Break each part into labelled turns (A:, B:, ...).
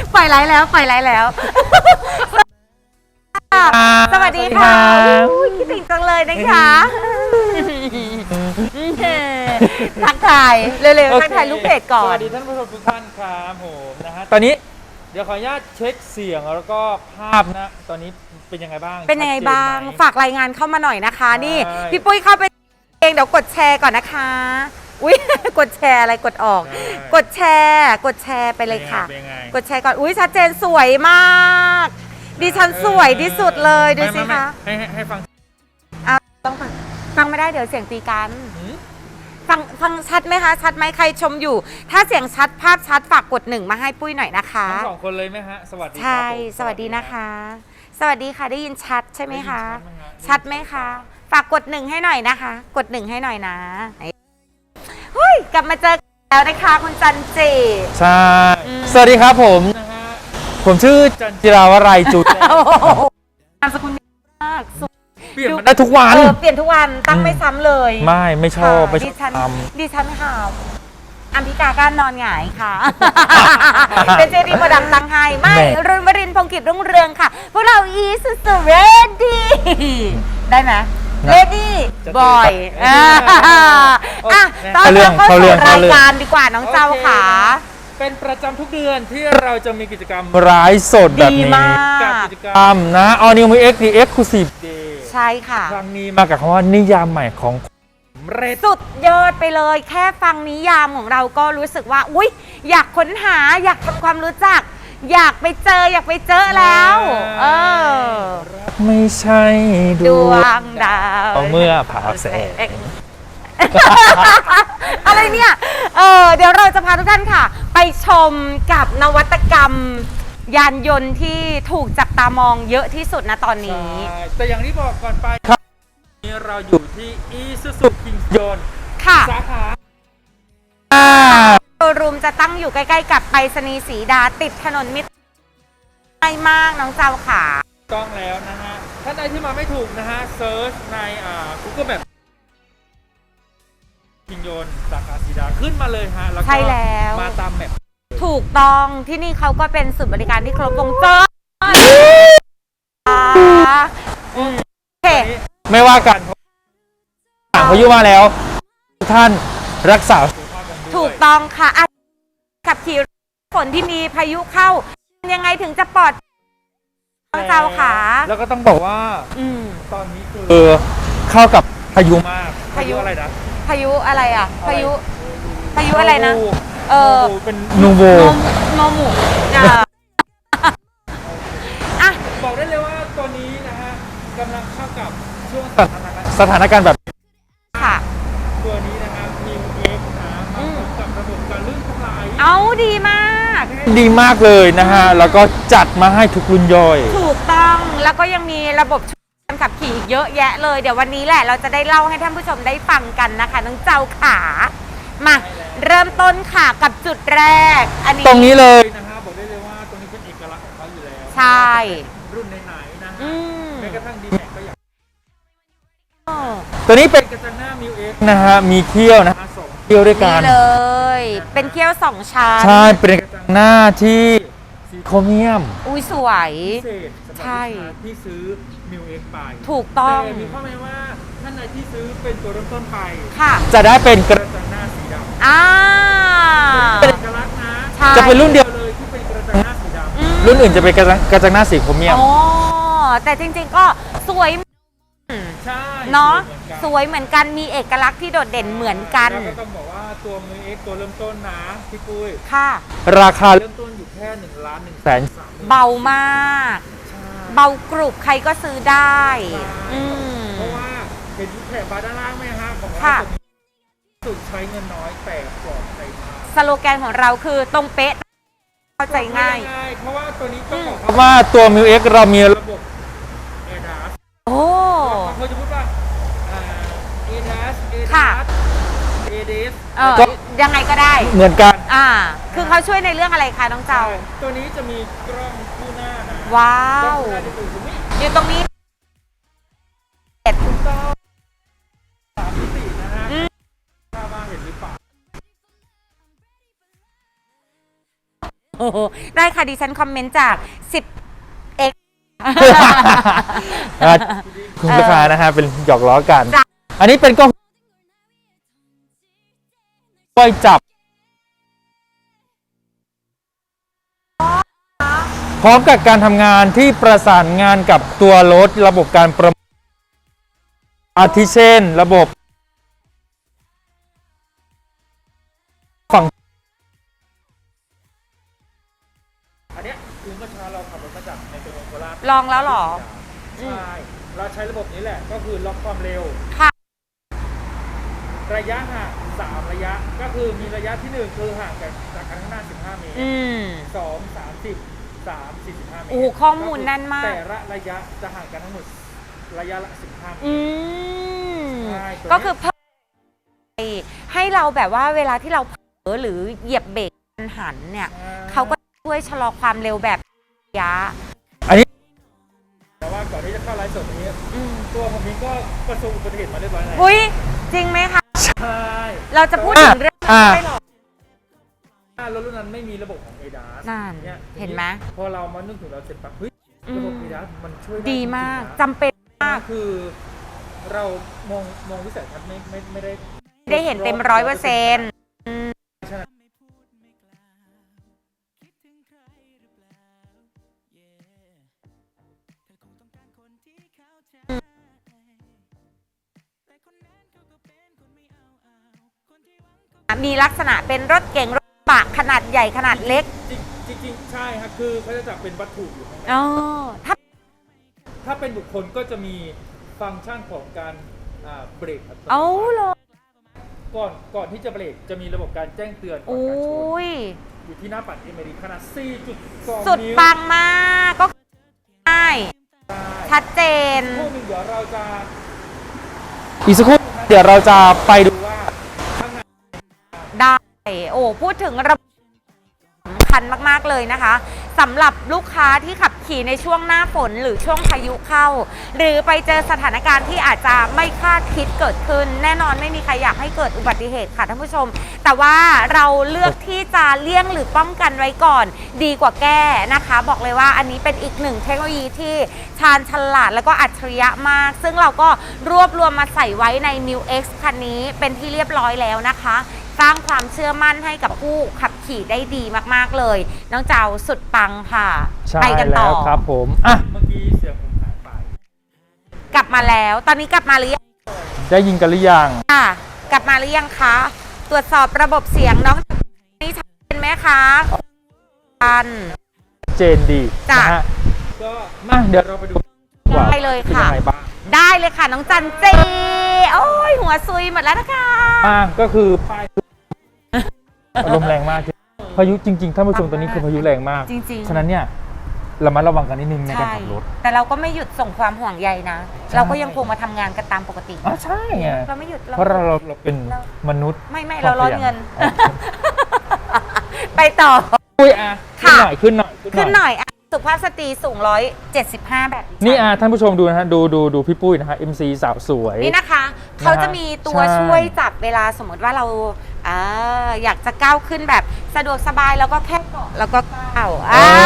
A: ปล่อยไลฟ์แล้วปล่อยไลฟ์แล้วสวัสดีค่ะคิดถึงจังเลยนะคะทักทายเร็วๆทักทายลูกเพจก่อน
B: สวัสดีท่านผู้ชมทุกท่านครับผมนะฮะตอนนี้เดี๋ยวขออนุญาตเช็คเสียงแล้วก็ภาพนะตอนนี้เป็นยังไงบ้าง
A: เป็นยังไงบ้างฝากรายงานเข้ามาหน่อยนะคะนี่พี่ปุ้ยเข้าไปเองเดี๋ยวกดแชร์ก่อนนะคะอุ้ยกดแชร์อะไรกดออกกดแชร์ไปเลยค่ะกดแชร์ก่อนอุ้ยชัดเจนสวยมากดิฉันสวยที่สุดเลยดูสิคะ
B: ให้ฟัง
A: ต้องฟังไม่ได้เดี๋ยวเสียงตีกันฟังชัดไหมคะชัดไหมใครชมอยู่ถ้าเสียงชัดภาพชัดฝากกดหนึ่งมาให้ปุ้ยหน่อยนะคะ
B: ทั้งสองคนเลยไหมฮะสวัสดี
A: ใช่สวัสดีนะคะสวัสดีค่ะได้ยินชัดใช่ไหมคะชัดไหมคะฝากกดหนึ่งให้หน่อยนะคะกดหนึ่งให้หน่อยนะเฮ้ยกลับมาเจอแล้วนะคะคุณจันจี
B: ใช่สวัสดีครับผมนะฮะผมชื่อจันจิราวรัยจุด
A: นามสกุลมาก
B: เปลี่ยนได้ทุกวัน
A: เปลี่ยนทุกวันตั้งไม่ซ้ำเลย
B: ไม่ชอบ
A: ดิฉันค่ะอัมพิกาการนอนหงายค่ะเป็นเจดีโปรดักต์ตั้งให้ไม่รุ่นวรินทร์พงศ์กิจรุ่งเรืองค่ะพวกเราอีสุดเรดี้ได้ไหมเรดี้บอยตอนนี้เข้าสู่รายการดีกว่าน้องเจ้าค่ะ
B: เป็นประจำทุกเดือนที่เราจะมีกิจกรรมรายสดแบบนี้กับกิจกรรมนะ All New Mix The Exclusive Day
A: ใช่ค่ะ
B: ครั้งนี้มากับคำว่านิยามใหม่ของ
A: สุดยอดไปเลยแค่ฟังนิยามของเราก็รู้สึกว่าอุ๊ยอยากค้นหาอยากทำความรู้จักอยากไปเจอแล้ว
B: ไม่ใช่
A: ดวงดาว
B: เมื่อผ่าแสง
A: อะไรเนี่ยเดี๋ยวเราจะพาทุกท่านค่ะไปชมกับนวัตกรรมยานยนต์ที่ถูกจับตามองเยอะที่สุดนะตอนนี้
B: แต่อย่างที่บอกก่อนไปครับนี้เราอยู่ที่ Isuzu Kingston
A: ค่ะ
B: สาขา
A: โชว์รูมจะตั้งอยู่ใกล้ๆกับไปรษณีย์ศรีดาติดถนนมิตรง่ายมากน้องเจ้าขา
B: ต้องแล้วนะฮะท่านใดที่มาไม่ถูกนะฮะเซิร์ชในGoogle Map คิงโยนสาขาศรีดาขึ้นมาเลยฮะแล้วก็มาตามแมป
A: ถูกต้องที่นี่เขาก็เป็นศูนย์บริการที่ครบวงจรโอเค
B: ไม่ว่ากันพายุมาแล้วท่านรักษา
A: ถูกต้องค่ะขับขี่ฝนที่มีพายุเข้ายังไงถึงจะปลอดเจ้าขา
B: แล้วก็ต้องบอกว่าตอนนี้คือเข้ากับพายุมากพายุอะไรนะ
A: พายุอะไรอ่ะพายุอะไรนะ
B: เป็นนูโว
A: โนมู
B: บอกได้เลยว่าตัวนี้นะฮะกำลังเข้ากับช่วงสถานการณ์แบบ
A: ค่ะ
B: ตัวนี้นะครับมีเอ็กซ์นะกับระบบการลื่นถลาย
A: ดีมาก
B: เลยนะฮะแล้วก็จัดมาให้ทุกรุ่นย่อย
A: ถูกต้องแล้วก็ยังมีระบบการขับขี่เยอะแยะเลยเดี๋ยววันนี้แหละเราจะได้เล่าให้ท่านผู้ชมได้ฟังกันนะคะน้องเจ้าขามาเริ่มต้นค่ะกับจุดแรกอันนี้
B: ตรงนี้เลยนะฮะบอกได้เลยว่าตรงนี้เป็นเอกลักษณ์ของเขาอยู่แล้ว
A: ใช่
B: รุ่นไหนๆนะฮะแม้กระทั่งดีแม็กก็อยากตัวนี้เป็นกระจังหน้ามิวเอ็กนะฮะมีเขี้ยวนะฮะ2เขี้ยวด้วยกัน
A: เลยเป็นเขี้ยว2ชั้น
B: ใช่เป็นกระจังหน้าที่สีโครเมียม
A: อุ้ยสวย
B: ใช่ที่ซื้อมิวเอ็กไป
A: ถูกต้อง
B: แต่มีข้อแม้ว่าท่านใดที่ซื้อเป็นตัวเริ่มต้นไป
A: ค่ะ
B: จะได้เป็นกระจังหน้าสีดำเป็นเอกลักษณ์นะจะเป็นรุ่นเดียวเลยที่เป็นกระจังหน้าสีดำรุ่นอื่นจะเป็นกระจังหน้าสีโครเมียม
A: แต่จริงๆก็สวย
B: ใช่
A: เนาะสวยเหมือนกันมีเอกลักษณ์ที่โดดเด่นเหมือนกัน
B: แล้วก็ต้องบอกว่าตัวมิวเอ็กตัวเริ่มต้นนะพี่ปุ้ย
A: ค่ะ
B: ราคาเริ่มต้นอยู่แค่1,100,000
A: เบามากเบากรุบใครก็ซื้อได้
B: เพราะว่าเห็นแถบบาร์ด้านล่างไหมฮะบอกว่าสุดใช้เงินน้อยแต่ปลอดภัยมาก
A: สโลแกนของเราคือตรงเป๊ะเข้าใจง่าย
B: เพราะว่าตัวนี้ต้องบอกว่าตัวมิวเอ็กเรามีระบบADASเขาจะพูดว่าADAS
A: ยังไงก็ได้
B: เหมือนกัน
A: คือเขาช่วยในเรื่องอะไรคะน้องเจ้า
B: ตัวนี้จะมีกล้องคู่หน้านะ
A: ว้าวอยู่ตรงนี้
B: 3 มิตินะฮะถ้ามาเห็นหรือเปล่า
A: โอ้โหได้ค่ะดิฉันคอมเมนต์จาก 10x
B: คุณลูกค้านะฮะเป็นหยอกล้อกัน อันนี้เป็นกล้องไว้จับ พร้อมกับการทำงานที่ประสานงานกับตัวรถระบบการประมวลอาทิเช่นระบบฝั่งอันนี้คือเมื่อเช้าเราขับรถมาจากในตัวเมืองโคราช
A: ลองแล้วเหรอ
B: ใช่เราใช้ระบบนี้แหละก็คือล็อกความเร็ว
A: ค่ะ
B: ระยะห่าง3ระยะก็คือมีระยะที่1คือห่างจากคันข้างหน้า15 เมตร 2 30 3 45 เมตร
A: โอ้โหข้อมูลแน่นมาก
B: แต่ละระยะจะห่างกันทั้งหมดระยะละ15 เมตรใช่
A: ก็คือเพิ่มให้เราแบบว่าเวลาที่เราเผลอหรือเหยียบเบรกกระทันหันเนี่ยเขาก็ช่วยชะลอความเร็วแบบระยะ
B: แต่ว่าก่อนที่จะเข้าไลฟ์สดนี้ตัวผมเองก็ประสบอุบัติเหตุมาเรียบร้อยแล้ว
A: อุ้ยจริงไหมคะ
B: ใช่
A: เราจะพูดถึงเรื่องไม่หรอก
B: รถรุ่นนั้นไม่มีระบบของ ADAS
A: นั่นเห็นไหม
B: พอเรามานึกถึงเราเสร็จปั๊บเฮ้ยระบบ ADAS มันช่วย
A: ดีมาก
B: จริงๆนะ
A: จำเป็นมาก
B: คือเรามองวิสัยทัศน์ไม่ได้
A: ได้เห็นเต็ม100%มีลักษณะเป็นรถเก๋งรถกระบะขนาดใหญ่ขนาดเล็ก
B: จริงๆใช่ครับคือเขาจะจับเป็นวัตถุอยู่ข้างใน
A: อ๋อถ้า
B: เป็นบุคคลก็จะมีฟังก์ชันของการเบรกอัตโนมัติ
A: เอาเลย
B: ก่อนที่จะเบรกจะมีระบบการแจ้งเตือนก่อน
A: โอ้
B: การชน
A: ย
B: อยู่ที่หน้าปัดเอเมริขนาด 4.2
A: สุด
B: นิ้ว
A: ปังมากก็ง่ายชัดเจน
B: อีกสักครู่หนึ่งเดี๋ยวเราจะไปดูว่าข้างใน
A: ได้โอ้พูดถึงระบบสำคัญมากๆเลยนะคะสำหรับลูกค้าที่ขับขี่ในช่วงหน้าฝนหรือช่วงพายุเข้า หรือไปเจอสถานการณ์ที่อาจจะไม่คาดคิดเกิดขึ้น แน่นอนไม่มีใครอยากให้เกิดอุบัติเหตุค่ะท่านผู้ชม แต่ว่าเราเลือกที่จะเลี่ยงหรือป้องกันไว้ก่อน ดีกว่าแก้นะคะ บอกเลยว่าอันนี้เป็นอีกหนึ่งเทคโนโลยีที่ชาญฉลาดแล้วก็อัจฉริยะมาก ซึ่งเราก็รวบรวมมาใส่ไว้ใน New X คันนี้เป็นที่เรียบร้อยแล้วนะคะสร้างความเชื่อมั่นให้กับผู้ขับขี่ได้ดีมากๆเลยน้องเจ้าสุดปังค่ะ
B: ใช่
A: ไปกันต่
B: แล้
A: อ
B: วครับผมอ่ะเมื่อกี้เสียงผมหายไป
A: กลับมาแล้วตอนนี้กลับมาหรือยัง
B: ได้ยินกันหรือยัง
A: ค่ะกลับมาหรือยังคะตรวจสอบระบบเสียงน้องนี่ชัดเจนไหมคะชัน
B: เจนดี
A: จ้ะ
B: นะฮะก็มาเดี๋ยวเราไปดูว่า
A: ได้เลยค่ะ
B: ป็นงไงบ้าง
A: ได้เลยค่ะน้องจันเจโอ้ยหัวซุยหมดแล้วนะคะ
B: ก็คือป้ายลมแรงมากพายุจริงๆท่านผู้ชมตอนนี้คือพายุแรงมาก
A: จริงๆ
B: ฉะนั้นเนี่ยระมัดระวังกันนิดนึงในการขับรถ
A: แต่เราก็ไม่หยุดส่งความห่วงใยนะ
B: ใช่
A: เราก็ยังคงมาทำงานกันตามปกติ
B: ใช่ไง
A: เราไม่หยุด
B: เพราะเราเป็นมนุษย์
A: ไม่เราร้อนเงิน ไปต่อ
B: อุ้ยขึ้น
A: ค่ะ
B: หน่อยขึ้นหน่อย
A: ขึ้นหน่อยอ่ะสุภาพสตรีสูง175 แบบ
B: นี่ท่านผู้ชมดูนะฮะดูพี่ปุ้ยนะฮะ MC สาวสวย
A: นี่นะคะเขาจะมีตัว
B: ใช่
A: ช่วยจับเวลาสมมติว่าเราอยากจะก้าวขึ้นแบบสะดวกสบายแล้วก็แค่เกาะแล้วก็ก้าว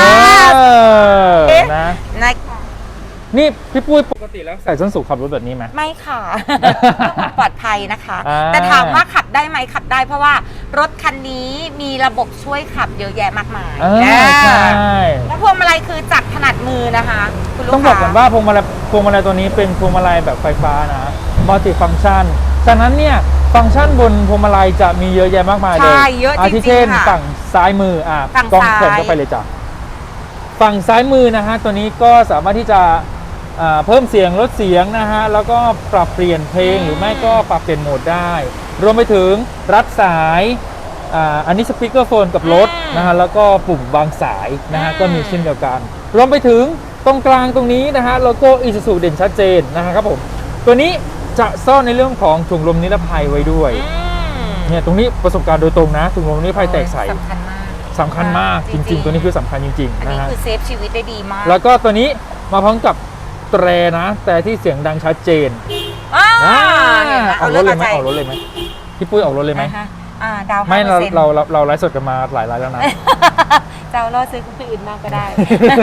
B: นะ
A: นะคะ
B: นี่พี่ปุ้ยปกติแล้วใส่ส้นสูงขับรถแบบนี้ไหม
A: ไม่ค่ะ ปลอดภัยนะคะ
B: อ่า
A: แต่ถามว่าขับได้ไหมขับได้เพราะว่ารถคันนี้มีระบบช่วยขับเยอะแยะมากมาย
B: ใช่
A: แล้วพวงมาลัยคือจับถนัดมือนะคะคุณลูกค้า
B: ต้องบอกก่อนว่าพวงมาลัยตัวนี้เป็นพวงมาลัยแบบไฟฟ้านะมัลติฟัง c t ชันฉะนั้นเนี่ยฟังก์ชันบนพวงมาลัยจะมีเยอะแยะมากมายเลย
A: ใช่เยอะจริงๆ
B: ที่เช่น
A: ค่ะ
B: ฝั่งซ้ายมือ
A: ฝั่ง
B: กล้อง
A: ซ้าย
B: แผ่นเข้าไปเลยจ้ะฝั่งซ้ายมือนะฮะตัวนี้ก็สามารถที่จะเพิ่มเสียงลดเสียงนะฮะแล้วก็ปรับเปลี่ยนเพลงหรือไม่ก็ปรับเปลี่ยนโหมดได้ รวมไปถึงรัดสายอันนี้สปีกเกอร์โฟนกับรถนะฮะแล้วก็ปุ่มวางสายนะฮะก็มีเช่นเดียวกัน รวมไปถึงตรงกลางตรงนี้นะฮะโลโก้ Isuzu เด่นชัดเจนนะครับผมตัวนี้จะซ่อนในเรื่องของถุงลมนิรภัยไว้ด้วยเนี่ยตรงนี้ประสบการณ์โดยตรงนะถุงลมนิรภัยแตกใส
A: สำคัญมาก
B: จริงๆ ตัวนี้คือสำคัญจริง
A: อัน
B: ๆนะ
A: นี้
B: ฮะ
A: คือเซฟชีวิตได้ดีมาก
B: แล้วก็ตัวนี้มาพร้อมกับแตรนะแต่ที่เสียงดังชัดเจน ออกรถเลยไหมพี่ปุ้ยออกรถเลยไหม
A: ดาว
B: ไม่เราไลฟ์สดกันมาหลายไลฟ์แล้วนะ
A: เจ้าล่อซื้อคนอื่นมากก็ได้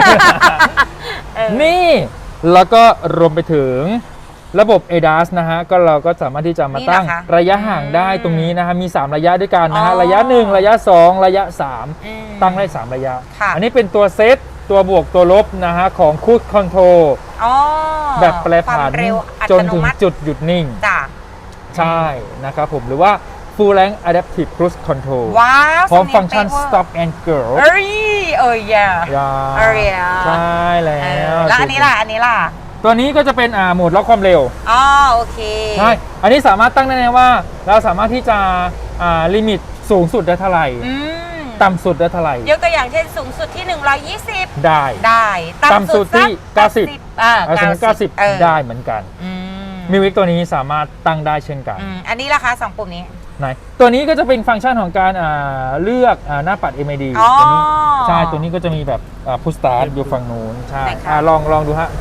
B: นี่แล้วก็รวมไปถึงระบบ ADAS นะฮะก็เราก็สามารถที่จะมาตั้งระยะห่างได้ตรงนี้นะฮะมี3ระยะด้วยกันนะฮะระยะ1ระยะ2ระยะ3ตั้งได้3ระยะอันนี้เป็นตัวเซตตัวบวกตัวลบนะฮะของ Cruise Control แบบแปรผันจนถึงจุดหยุดนิ่งใช่นะครับผมหรือว่า Full Range Adaptive Cruise Control
A: ว้าว
B: พร้อมฟังก์ชัน Stop and Go ใช่แล้ว
A: แล้วอันนี้ล่ะ
B: ตัวนี้ก็จะเป็นโหมดล็อกความเร็ว
A: โอเค
B: ใช่อันนี้สามารถตั้งได้เลยว่าเราสามารถที่จะลิมิตสูงสุดได้เท่าไหร่ต่ำสุดได้เท่าไหร่
A: ยกตัวอย่างเช่นสูงสุดที่120
B: ได้ต่ำสุดที่90ได้เหมือนกันมิวิกตัวนี้สามารถตั้งได้เช่นกัน
A: อันนี้ราคา2ปุ่มนี้
B: ไหนตัวนี้ก็จะเป็นฟังก์ชันของการเลือกหน้าปัด MID ตัวนี้ใช่ตัวนี้ก็จะมีแบบพุชสตาร์ทอยู่ฝั่งนู้นใช่ลองดูฮะ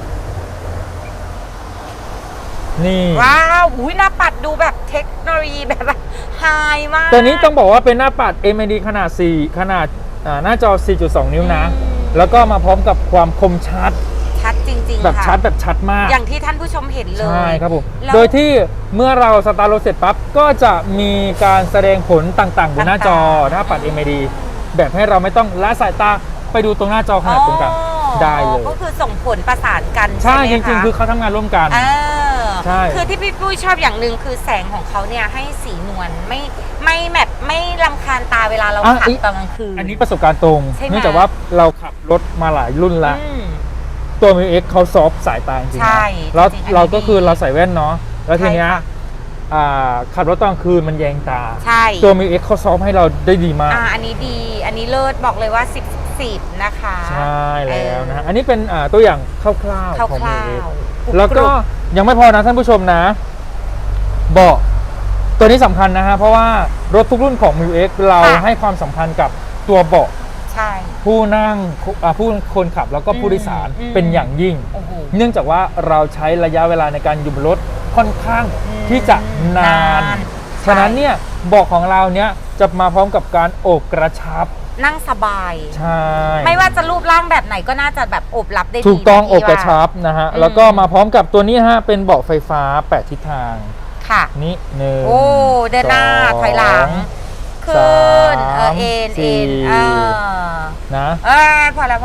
B: นี่
A: ว้าวหน้าปัดดูแบบเทคโนโลยีแบบไฮมาก
B: ตัวนี้ต้องบอกว่าเป็นหน้าปัด MID ขนาดหน้าจอ 4.2 นิ้วนะแล้วก็มาพร้อมกับความคมชัด
A: จริงๆ
B: แบบชัดมาก
A: อย่างที่ท่านผู้ชมเห็นเลย
B: ใช่ครับผมโดยที่เมื่อเราสตาร์ทรถเสร็จปั๊บก็จะมีการแสดงผลต่างๆบนหน้าจอหน้าปัด MID แบบให้เราไม่ต้องละสายตาไปดูตรงหน้าจอขนาดตรงกลางได้เลย
A: ก็คือส่งผลประสานกัน
B: ใช่จริงๆคือเขาทำงานร่วมกัน
A: ใช่คือที่พี่ปุ้ยชอบอย่างหนึ่งคือแสงของเขาเนี่ยให้สีนวลไม่รำคาญตาเวลาเราขับตอนกลางคืน
B: อันนี้ประสบการณ์ตรงเนื่องจากว่าเราขับรถมาหลายรุ่นแล้วตัว Mil X เขาซอฟสายตาจริงๆแล้วเราก็คือเราใส่แว่นเนาะแล้วทีเนี้ยขับรถตอนกลางคืนมันแยงตาตัว Mil X เขาซอฟให้เราได้ดีมาก
A: อันนี้ดีอันนี้เลิศบอกเลยว่า10นะคะ
B: ใช่แล้วนะอันนี้เป็นตัวอย่างคร่าวๆของ Mil X แล้วก็ยังไม่พอนะท่านผู้ชมนะเบาะตัวนี้สำคัญนะฮะเพราะว่ารถทุกรุ่นของ Mil X เราให้ความสำคัญกับตัวเบาะผู้นั่งผู้คนขับแล้วก็ผู้โดยสารเป็นอย่างยิ่งเนื่องจากว่าเราใช้ระยะเวลาในการอยู่บนรถค่อนข้างที่จะนานฉะนั้นเนี่ยเบาะของเราเนี้ยจะมาพร้อมกับการโอบกระชับ
A: นั่งสบาย
B: ใช่
A: ไม่ว่าจะรูปร่างแบบไหนก็น่าจะแบบโอบรับได้ดี
B: ถูกต้องโอบกระชับนะฮะแล้วก็มาพร้อมกับตัวนี้ฮะเป็นเบาะไฟฟ้า8ทิศทาง
A: ค่ะ
B: นี่1
A: โอ้เดินหน้าถอยหลังขึ้นเอ็น
B: นะ
A: พอแล้ว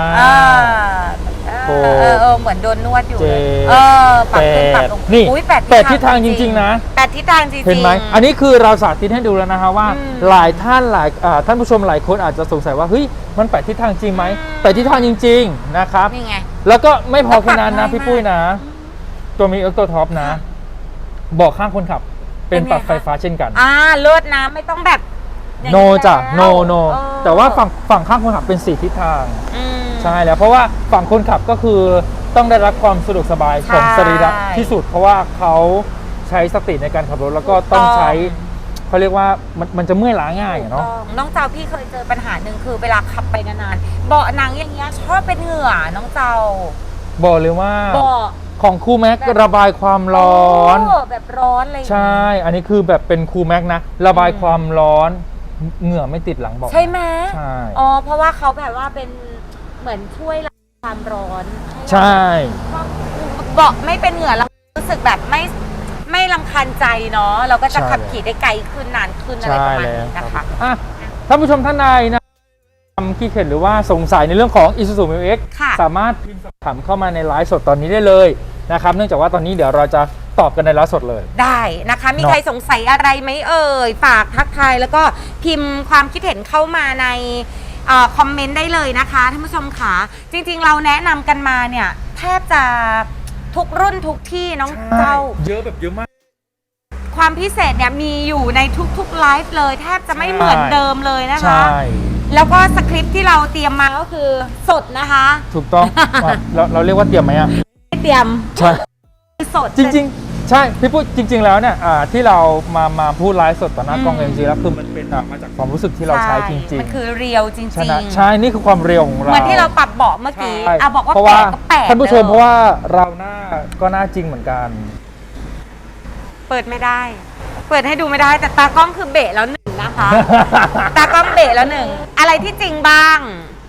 A: เหมือนโดนนวดอยู่เลยปรับขึ้นปรับลง
B: นี่8ทิศทางจริงๆนะ
A: 8ทิศทางจริงๆ
B: เห็นไหมอันนี้คือเราสาธิตให้ดูแล้วนะฮะว่าหลายท่านท่านผู้ชมหลายคนอาจจะสงสัยว่าเฮ้ยมัน8ทิศทางจริงไหม8ทิศทางจริงๆนะครับ
A: นี่ไง
B: แล้วก็ไม่พอแค่นั้นนะพี่ปุ้ยนะตัวมีตัวท็อปนะเบาะข้างคนขับเป็นปรับไฟฟ้าเช่นกัน
A: เลิศนะไม่ต้องแบบ
B: โนจ้ะโนแต่ว่าฝั่งข้างคนขับเป็น4ทิศทางใช่แล้วเพราะว่าฝั่งคนขับก็คือต้องได้รับความสะดวกสบายของสรีระที่สุดเพราะว่าเขาใช้สติในการขับรถแล้วก็ต้องใช้เขาเรียกว่ามันจะเมื่อยล้าง่ายเนาะ
A: น้องเจ้าพี่เคยเจอปัญหาหนึ่งคือเวลาขับไปนานๆเบาะหนังอย่างเงี้ยชอบเป็นเหงื่อน้องเจ้า
B: บอกเลยว่าของคูแม็กระบายความร้อน
A: แบบร้อนเลย
B: ใช่อันนี้คือแบบเป็นคูแม็กนะระบายความร้อนเหงื่อไม่ติดหลังเบาะ
A: ใช่ไหม
B: ใช่
A: เพราะว่าเขาแบบว่าเป็นเหมือนช่วยความร้อน
B: ใช่
A: เบาะไม่เป็นเหงื่อเรารู้สึกแบบไม่รำคาญใจเนาะเราก็จะขับขี่ได้ไกลขึ้นนานขึ้นอะไรประมาณนี้นะคะ
B: ท่านผู้ชมท่านใดนะคิดเห็นหรือว่าสงสัยในเรื่องของ Isuzu Mil X สามารถพิมพ์สอบถามเข้ามาในไลฟ์สดตอนนี้ได้เลยนะครับเนื่องจากว่าตอนนี้เดี๋ยวเราจะตอบกันในไลฟ์สดเลย
A: ได้นะคะมีใครสงสัยอะไรไหมฝากทักทายแล้วก็พิมพ์ความคิดเห็นเข้ามาในคอมเมนต์ได้เลยนะคะท่านผู้ชมค่ะจริงๆเราแนะนำกันมาเนี่ยแทบจะทุกรุ่นทุกที่น้องเจ้า
B: เยอะแบบเยอะมาก
A: ความพิเศษเนี่ยมีอยู่ในทุกๆไลฟ์เลยแทบจะไม่เหมือนเดิมเลยนะคะแล้วก็สคริปต์ที่เราเตรียมมาก็คือสดนะคะ
B: ถูกต้องเราเรียกว่าเตรียมไหมอ่ะ
A: ไม่เตรียม
B: ใช่
A: สด
B: จริงๆใช่พี่พูดจริงๆแล้วเนี่ยที่เรามาพูดไลฟ์สดต่อหน้ากล้องจริงๆแล้วคือมันเป็นมาจากความรู้สึกที่เราใช้จริงๆ
A: มันคือเรียวจริง
B: ๆใช่นี่คือความเรียวของเรา
A: เหมือนที่เราปรับเบาะเมื่อกี้บอกว่าแปลก
B: ท่านผู้ชมเพราะว่าเราหน้าก็หน้าจริงเหมือนกัน
A: เปิดไม่ได้เปิดให้ดูไม่ได้แต่ตากล้องคือเบะแล้ว1นะคะตากล้องเบะแล้ว1อะไรที่จริงบ้าง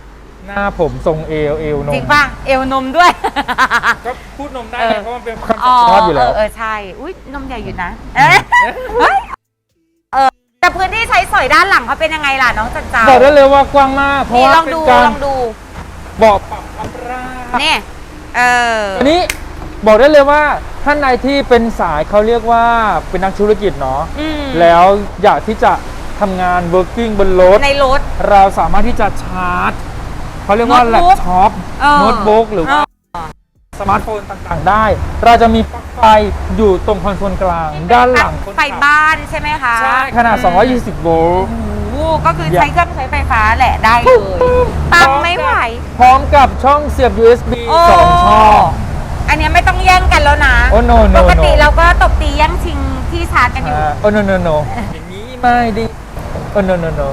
B: หน้าผมทรงเอวนม
A: จริงป่ะเอวนมด้วย
B: ก็พูดนมได้
A: เออ
B: เพราะมันเป็นคำชอบอยู่แล้ว
A: ใช่อุ้ยนมใหญ่อยู่นะเฮ้ยแต่พื้นที่ใช้สอยด้านหลังเขาเป็นยังไงล่ะน้องจันเจ้า
B: บอกได้เลยว่ากว้างมากเพราะ
A: นี่
B: ว่า
A: ลอง
B: เป็น
A: ดู
B: การ
A: ลองดู
B: เบาะปรับอัพราบ
A: นี่
B: อันนี้บอกได้เลยว่าท่านใดที่เป็นสายเขาเรียกว่าเป็นนักธุรกิจเนาะ
A: อืม
B: แล้วอยากที่จะทำงาน working บนรถ
A: ในรถ
B: เราสามารถที่จะชาร์จเขาเรียกว่า
A: โน้
B: แล็
A: ต
B: ป
A: บุ๊ก
B: ท็อป โน้ตบุ๊กหรือว่าสมาร์ทโฟนต่างๆได้ เราจะมีปลั๊กไฟอยู่ตรงคอนโซลกลาง ด้านหลังคน
A: ไฟ
B: ขับ
A: บ้านใช่ไหมคะ
B: ใช่ขนาด 220 โวลต์
A: โอ้โหก็คือใช้เครื่องใช้ไฟฟ้าแหละได้เลยตังไม่ไหว
B: พร้อมกับช่องเสียบ USB
A: โอ้
B: 2 ช่อง
A: อันเนี้ยไม่ต้องแย่งกันแล้วนะ
B: โอ้ no no
A: ปกติ
B: no
A: เราก็ตบตีแย่งชิงที่ชาร์จกันอยู่
B: โอ้ no no no อย่างนี้ไม่ดีโอ้ no no no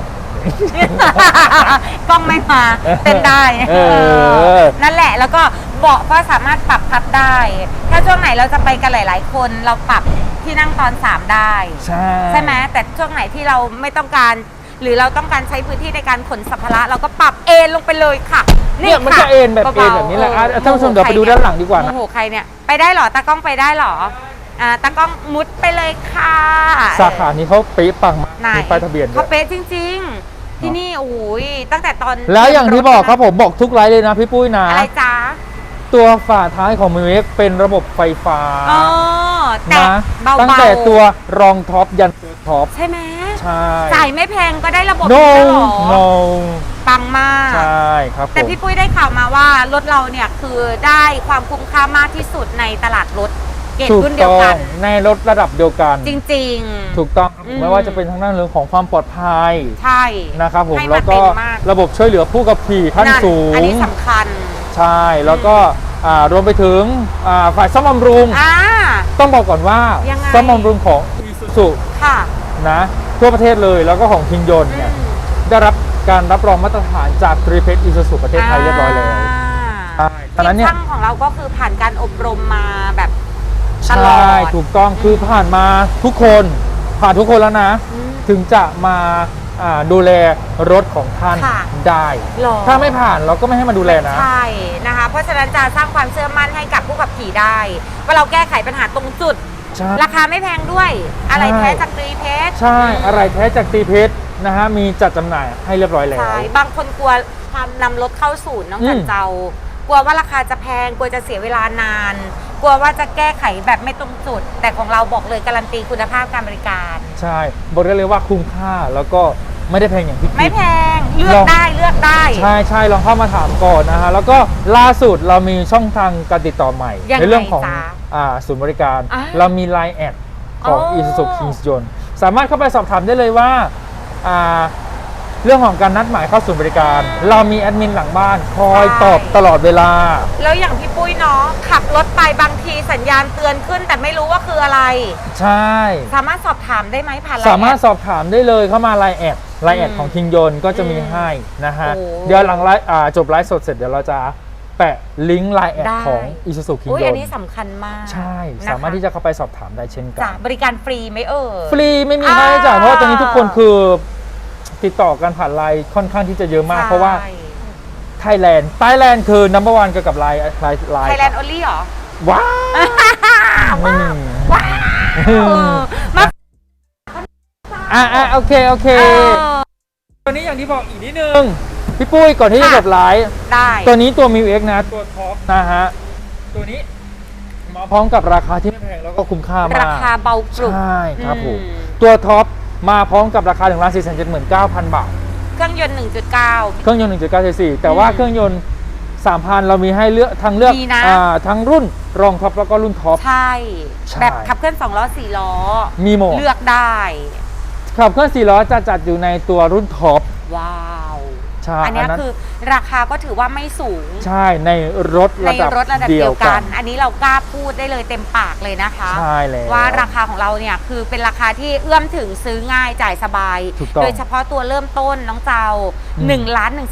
A: กล้องไม่มาเต้นได้ นั่นแหละแล้วก็เบาะก็สามารถปรับพับได้ ถ้าช่วงไหนเราจะไปกันหลาย ๆ คนเราปรับที่นั่งตอน 3 ได้
B: ใช่
A: ไหมแต่ช่วงไหนที่เราไม่ต้องการ หรือเราต้องการใช้พื้นที่ในการขนสัมภาระเราก็ปรับเอนลงไปเลยค่ะ
B: เนี่ยมันจะเอนแบบเอนแบบนี้แหละท่านผู้ชมเดี๋ยวไปดูด้านหลังดีกว่านะ
A: โอ้โหใครเนี่ยไปได้เหรอตากล้องไปได้เหรอตากล้องมุดไปเลยค่ะ
B: สาขานี้เขาเป๊ะปังมาก
A: ไหน
B: มีป้ายทะเบียนด้
A: เขา
B: วย
A: เป๊ะจริง ๆ ที่นี่โอ้ยตั้งแต่ตอน
B: แล้วอย่างที่บอกครับผมบอกทุกไลฟ์เลยนะพี่ปุ้ยนะ
A: อะไรจ๊ะ
B: ตัวฝาท้ายของมิวเอ็กเป็นระบบไฟฟ้า
A: อ๋อแต่
B: นะ
A: เบาๆ
B: ตั้งแต่ตัวรองท็อปยันตัวท็อป
A: ใช่ไหม
B: ใช่
A: จ่ายไม่แพงก็ได้ระบบ
B: no
A: นี้แล้วเหรอ
B: no
A: ปังมาก
B: ใช่ครับผม
A: แต่พี่ปุ้ยได้ข่าวมาว่ารถเราเนี่ยคือได้ความคุ้มค่ามากที่สุดในตลาดรถเกรด
B: ถูก
A: รุ่นเดี
B: ต้
A: ยว
B: อ
A: กั
B: ง
A: น
B: ในรถระดับเดียวกัน
A: จริง
B: ถูกต้อง
A: อืม
B: ไม่ว่าจะเป็นทางด้านเรื่องของความปลอดภัย
A: ๆ ใช่
B: นะครับผม
A: ให้
B: แล้วก็
A: เต็มมาก
B: ระบบช่วยเหลือผู้ขับขี่ขั้นสูง
A: อันนี้สำคัญ
B: ใช่แล้วก็รวมไปถึงฝ่ายซ่อมบำรุง ต้องบอกก่อนว่า
A: ยังไง
B: ซ่อมบำรุงของ Isuzu
A: ค่ะ
B: นะทั่วประเทศเลยแล้วก็ของคิงยนต์เนี่ย
A: อืม
B: ได้รับการรับรองมาตรฐานจากตรีเพชรอิซูซูประเทศไทยเรียบร้อยแล้วใช่ตอนนั้นเนี่ย
A: ทีมช่างของเราก็คือผ่านการอบรมมาแบบต
B: ใช่
A: ลอด
B: ถูกต้องคือผ่านมาทุกคนผ่านทุกคนแล้วนะ
A: อืม
B: ถึงจะมาดูแลรถของท่าน
A: ค่ะ
B: ได้
A: หรอ
B: ถ้าไม่ผ่านเราก็ไม่ให้มาดูแลนะ
A: ใช่นะคะ เพราะฉะนั้นจะสร้างความเชื่อมั่นให้กับผู้ขับขี่ได้ ว่าเราแก้ไขปัญหาตรงจุด
B: ใช่
A: ราคาไม่แพงด้วย อะไรแท้จากตรีเพชร
B: ใช่อะไรแท้จากตรีเพชรนะฮะมีจัดจำหน่ายให้เรียบร้อยแล้ว
A: ใช่บางคนกลัวความนำรถเข้าศูนย์น้องจันเจ้ากลัวว่าราคาจะแพงกลัวจะเสียเวลานาน กลัวว่าจะแก้ไขแบบไม่ตรงจุด แต่ของเราบอกเลยการันตีคุณภาพการบริการ
B: ใช่บอกได้เลยว่าคุ้มค่าแล้วก็ไม่ได้แพงอย่างที่คิด
A: ไม่แพงเลือกได้เลือกได้
B: ใช่ใช่ลองเข้ามาถามก่อนนะฮะแล้วก็ล่าสุดเรามีช่องทางการติดต่อใหม่
A: ยังไง
B: ในเรื่องของ
A: จ๊ะ
B: ศูนย์บริการ
A: อ่า
B: เรามี Line แอดของ
A: อ๋อ
B: Isuzu Kings ยนต์สามารถเข้าไปสอบถามได้เลยว่าเรื่องของการนัดหมายเข้าศูนย์บริการ เรามีแอดมินหลังบ้านคอยตอบตลอดเวลา
A: แล้วอย่างพี่ปุ้ยเนาะขับรถไปบางทีสัญญาณเตือนขึ้น แต่ไม่รู้ว่าคืออะไร
B: ใช่
A: สามารถสอบถามได้ไหมผ่านไลน์
B: สามารถ
A: แอด
B: สอบถามได้เลยเข้ามา Line แอด
A: อืม
B: ของคิงยนต์ก็จะมีให้นะฮะ
A: โอ้
B: เดี๋ยวหลังไลฟ์จบไลฟ์สดเสร็จเดี๋ยวเราจะแปะลิงก์ Line แอด
A: ได้
B: ของ Isuzu คิง
A: อุ้ย
B: ย
A: อั
B: น
A: นนี้
B: ต์
A: สำคัญมาก
B: ใช่
A: นะคะ
B: สามารถที่จะเข้าไปสอบถามได้เช่นกั
A: จ้ะ
B: น
A: บริการฟรีไหม
B: ฟรีไม่มีค่าใช้จ่ายเพราะว่าตอนนี้ทุกคนคือติดต่อกันผ่านไลน์ค่อนข้างที่จะเยอะมาก เพราะว่าไทยแลนด์คือ number one เกี่ยวกับไลน์
A: ไทยแลนด์โอลี่เหรอ
B: ว้าวไม่มี
A: ว้าวมา
B: โอเค
A: เออ
B: ตัวนี้อย่างที่บอกอีกนิดนึง พี่ปุ้ยก่อนที่จะจบไลฟ์
A: ได้
B: ตัวนี้ตัว Mil X นะ ตัวท็อปนะฮะ ตัวนี้มาพร้อมกับราคาที่ไม่แพงแล้วก็คุ้มค่ามาก
A: ราคาเบาปรุบ
B: ใช่ครับผม
A: อืม
B: ตัวท็อปมาพร้อมกับราคา1,479,000 บาท
A: เครื่องยนต์
B: เครื่องยนต์ 1.9 cc แต่ว่าเครื่องยนต์ 3,000 เรามีให้เลือกทางเลือก
A: มีนะ
B: ทั้งรุ่นรองท็อปแล้วก็รุ่นท็อป
A: 1.9 ใช่
B: ใช่
A: แบบขับเคลื่อน2ล้อ4ล้อ
B: มีหมด
A: เลือกได้
B: ขับเครื่อง4ล้อจะจัดอยู่ในตัวรุ่นท็อป
A: ว้าว
B: ใช่
A: อันเนี้ยคือราคาก็ถือว่าไม่สูง
B: ใช่ในรถ
A: ใน
B: ระดับ
A: รถระดับ
B: เดี
A: เดี
B: ย
A: ยว ว
B: กั
A: กัน น อันนี้เรากล้าพูดได้เลยเต็มปากเลยนะคะ
B: ใช่แล้ว
A: ว่าราคาของเราเนี่ยคือเป็นราคาที่เอื้อมถึงซื้อง่ายจ่ายสบาย
B: ถูกต้อง
A: โดยเฉพาะตัวเริ่มต้นน้องเจ้า
B: อืม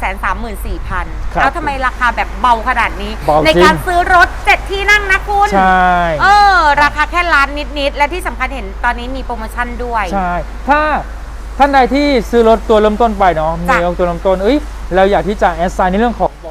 A: 1,134,000
B: ครับ
A: แล้วทำไมราคาแบบเบาขนาดนี้
B: เบา
A: ใน
B: จริง
A: การซื้อรถ 7 ที่นั่งนะคุณ
B: ใช่
A: ราคาแค่ล้านนิดๆและที่สำคัญเห็นตอนนี้มีโปรโมชั่นด้วย
B: ใช่ ถ้าท่านใดที่ซื้อรถตัวเริ่มต้นไปเนาะมี
A: จ้ะ
B: ตัวเริ่มต้นเราอยากที่จะแอดไซน์ในเรื่องของ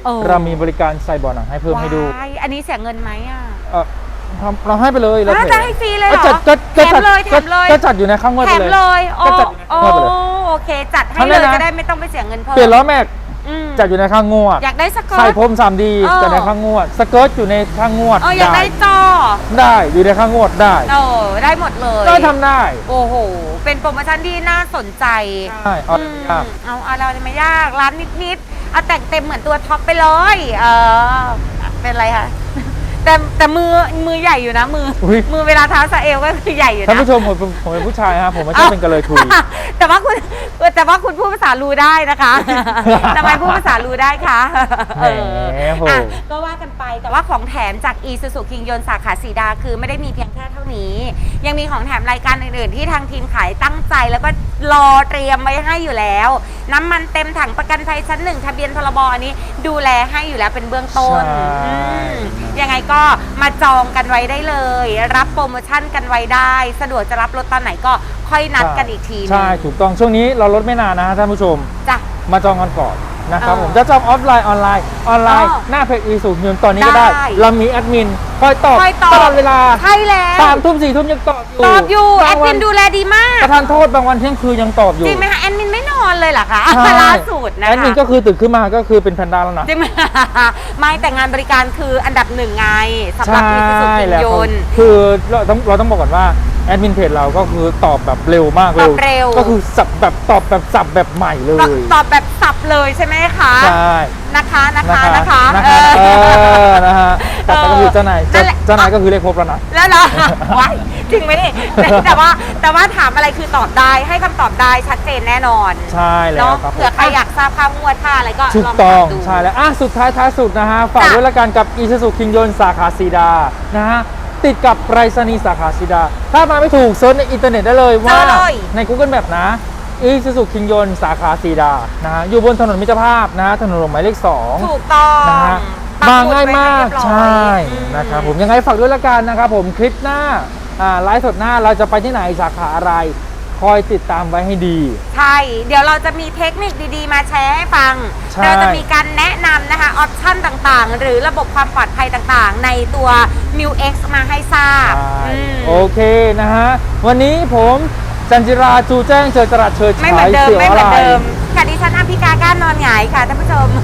A: เออ
B: เรามีบริการใส่เบาะหนังให้เพิ่มให้ดู
A: ว้ายอันนี้เสียเงินไหมอ่ะ
B: เราให้ไปเลยเรา
A: อ้าวจะให้ฟรีเลยเหรอ
B: ก็
A: แถมเลยแถมเลย
B: ก็จัดอยู่ในข้างงวด
A: แถ
B: ไป
A: ม
B: เลย
A: เลยโอ้
B: ก็จัดอยู่ในข้างงวดไปเลย
A: โอเค จัดให้
B: ทำ
A: เล
B: ได้
A: ย
B: นะ
A: จะได้ไม่ต้องไปเสียเงินเพิ่ม
B: เปลี่ยนล้อแม็ก
A: อืม
B: จัดอยู่ในข้างงวด
A: อยากได้สเกิ
B: ใส่
A: ร์ต
B: พรม 3D จัดในข้างงวดสเกิร์ตอยู่ในข้างงวด
A: อยากได้จอ
B: ได้อยู่ในข้างงวดได้
A: ได้หมดเลย
B: ก็ทำได้
A: โอ้โห เป็นโปรโมชั่นที่น่าสนใจ
B: ใช่เอา
A: อืม
B: ยาก
A: เอาอะไรไม่ยาก ร้านนิดๆ เอาแต่งเต็มเหมือนตัวท็อปไปเลย เป็นไรคะ แต่มือใหญ่อยู่นะมือเวลาเท้าซาเอลก็คือใหญ่อยู่นะ
B: ท่านผู้ชมผมเป็นผู้ชายฮะผมไม่ใช่เป็นกระเลยทุย
A: แต่ว่าคุณพูดภาษารูได้นะคะ ทำไมพูดภาษารูได้คะ
B: แหมโห
A: อ่ะก็ว่ากันไปแต่ว่าของแถมจาก Isuzu คิงยนต์สาขาสีดาคือไม่ได้มีเพียงแค่เท่านี้ ยังมีของแถมรายการอื่นๆที่ทางทีมขายตั้งใจแล้วก็รอเตรียมไว้ให้อยู่แล้ว น้ำมันเต็มถังประกันภัยชั้น 1ทะเบียนพรบอันนี้ดูแลให้อยู่แล้วเป็นเบื้องต้น
B: ใช่
A: อืมยังไงก็มาจองกันไว้ได้เลย รับโปรโมชั่นกันไว้ได้ สะดวกจะรับรถตอนไหนก็ค่อยนัดกันอีกทีนึง
B: ใช่ถูกต้องช่วงนี้เราลดไม่นานนะฮะท่านผู้ชม
A: จ้ะ
B: มาจองกันก่อนนะครับ
A: เออ
B: ผมจะจองออฟไลน์ออนไลน์หน้าเพจอีสุยนตอนนี้ก็ได้
A: ได้
B: เรามีแอดมินคอยตอบ
A: ค่อยตอบ
B: ตลอดเวลา
A: ใช่แล้ว
B: 3 ทุ่ม 4 ทุ่มยังตอบอยู่
A: ตอบอยู่แอบ
B: าง
A: ด
B: วั
A: มินดูแลดีมาก
B: ประทานโทษบางวันเที่ยงคืนยังตอบอยู่
A: จริงไหมคะแอดมินไม่นอนเลยเหรอคะ
B: ใช่
A: ล่าสุดนะคะ
B: แอดมินก็คือตื่นขึ้นมาก็คือเป็นแพนด้าแล้วนะ
A: จริงไหม ไม่แต่งานบริการคืออันดับหนึ่งไงสำหรับ
B: ใช่
A: อีซูซูคิง
B: แล้ว
A: ยนต์
B: คือเราต้องบอกก่อนว่าแอดมินเพจเราก็คือตอบแบบเร็วมาก
A: ตอบเร็ว
B: ก็คือสับแบบตอบแบบสับแบบใหม่เลย
A: ตอบแบบสับเลยใช่ไหมคะ
B: ใช่
A: นะคะนะ
B: นะคะ
A: เออ
B: นะฮะแต่ก็คือเจ้านาย
A: นั่นแหละ
B: เจ้านายก็คือเลขครบแล้วนะ
A: แล้วเหรอ ว้ายจริงไหมนี่แต่ว่าถามอะไรคือตอบได้ให้คำตอบได้ชัดเจนแน่นอน
B: ใช่แล้ว
A: เนาะ
B: ครับผม
A: เผื่อใครอยากทราบค่างวดค่าอะไรก็
B: ถู
A: ล
B: ก
A: อง
B: ต้อ
A: ถาง มดู
B: ใช่แล้วสุดท้ายท้ายสุดนะฮะฝาก
A: จ้ะ
B: ด้วยละกันกับอีซูซูคิงยนต์สาขาสีดานะฮะติดกับไปรษณีย์สาขาสีดา ถ้ามาไม่ถูกเซิร์ชในอินเทอร์เน็ตได้เลยว่า
A: เจอเลย
B: ใน Google Map นะอีซูซูคิงยนต์สาขาสีดานะฮะอยู่บนถนนมิตรภาพนะฮะถนนหลวงหมายเลข 2
A: ถูกต้อง
B: นะฮะ
A: ปั
B: มา
A: หมุด
B: ง่ายมาก
A: ไว้ให้เรียบร้อย
B: ใช่
A: อืม
B: นะครับผมยังไงฝากด้วยละกันนะครับผมคลิปหน้าไลฟ์สดหน้าเราจะไปที่ไหนสาขาอะไร คอยติดตามไว้ให้ดี
A: ใช่ เดี๋ยวเราจะมีเทคนิคดีๆ มาแชร์ให้ฟัง
B: ใช่
A: เราจะมีการแนะนำนะคะ ออปชั่นต่างๆ หรือระบบความปลอดภัยต่างๆ ในตัว m u X มาให้ทราบ
B: ใช่
A: อืม
B: โอเคนะฮะ วันนี้ผมจันจิราจูแจ้งเจอจรัสเชิด
A: ไม่
B: ฉา
A: เหมือย นเดิม
B: เสียว
A: ไม่
B: อะ
A: เหมื
B: ไร
A: อนเดิมค่ะดิฉันอภิกาก้านนอนหงายค่ะท่านผู้ชม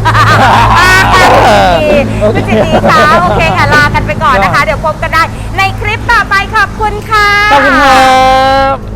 B: โอเค
A: คุณจิตดีค่ะโอเคค่ะลากันไปก่อนนะคะ เดี๋ยวพบกันได้ในคลิปต่อไปขอบคุณค่ะ
B: ขอบคุณครับ